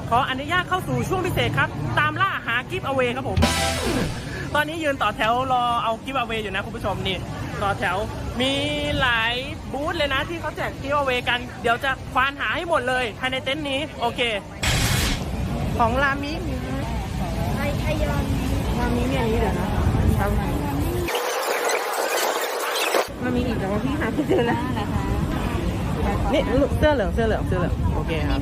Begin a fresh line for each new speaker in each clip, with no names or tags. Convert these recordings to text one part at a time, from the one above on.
ขออนุญาตเข้าสู่ช่วงพิเศษครับตามล่าหากิฟต์เอาเวครับผมตอนนี้ยืนต่อแถวรอเอากิฟต์เอาเวอยู่นะคุณผู้ชมนี่ต่อแถวมีหลายบูธเลยนะที่เขาแจกกิฟต์เอาเวกันเดี๋ยวจะควานหาให้หมดเลยภายในเต็นท์นี้โอเคของรามิรามิมีอันนี้เดี๋ยวนะรามิอีกแต่ว่าพี่หาไม่เจอแล้วนี่เสื้อเหลืองโอเคครับ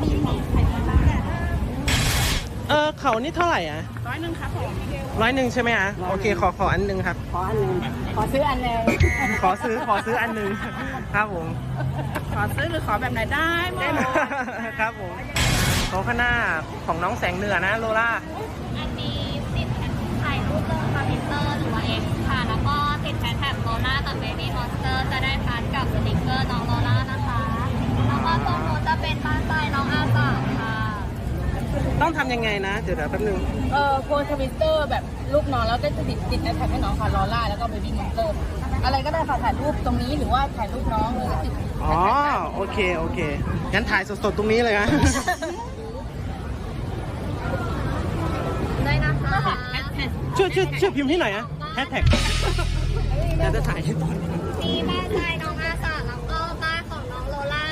เขานี่เท่าไหร่อ่ะ100ครับผม100ใช่ไหมอ่ะโอเคขออันนึงครับ
ขออันนึงขอซื้ออันนึง
ขอซื้ออันนึงครับผม
ขอซื้อหรือขอแบบไหนได้หมด
ครับผมเขาข้างหน้าของน้องแสงเหนือนะโลล่า
อันนี้ติดถ่ายรูปลงคอมพิวเตอร์หรือว่า X ค่ะแล้วก็ติดแฮชแท็กโลล่ากับเบบี้มอนสเตอร์จะได้พาร์ทกับสติกเกอร์น้องโลล่านะคะแล้วก็ตรงนู้นจะเป็นบ้านทรายน้องอาสาค่ะ
ต้องทำยังไงนะเดี๋ยวแป๊บนึง
โพสทวิตเตอร์แบบรูปน้องแล้วก็จะติดแฮชแท็กให้น้องค่ะลอล่าแล้วก็เบบี้มอนสเตอร์อะไรก็ได้ค่ะถ่ายรูปตรงนี้หรือว่าถ่ายรูปน้องแล้วก็ติด
อ๋อโอเคงั้นถ่ายสดๆตรงนี้เลยนะ
ได้นะคะ
ช่วยพิมพ์ให้หน่อยนะแฮชแท็กจะถ่ายให้ตอน
มีบ้านทรายน้องอาสาแล้วก็บ้านของน้องโลล่า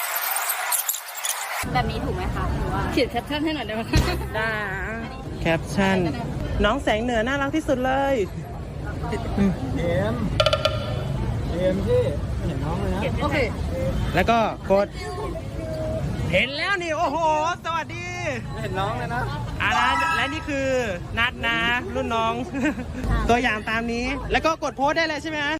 แบบนี้ถูกไหมคะหรือว่า
เขียนแคปชั่นให้หน่อยได้ไหม
ได้แคปชั่นน้องแสงเหนือน่ารักที่สุดเลย
เอ็มที่เห็นน้องเลยนะ
โอเค
แล้วก็กดเห็นแล้วนี่โอ้โหสวัสดี
เห็นน้องเลยนะ
และนี่คือนัดนะรุ่นน้องตัวอย่างตามนี้แล้วก็กดโพสได้เลยใช่ไหม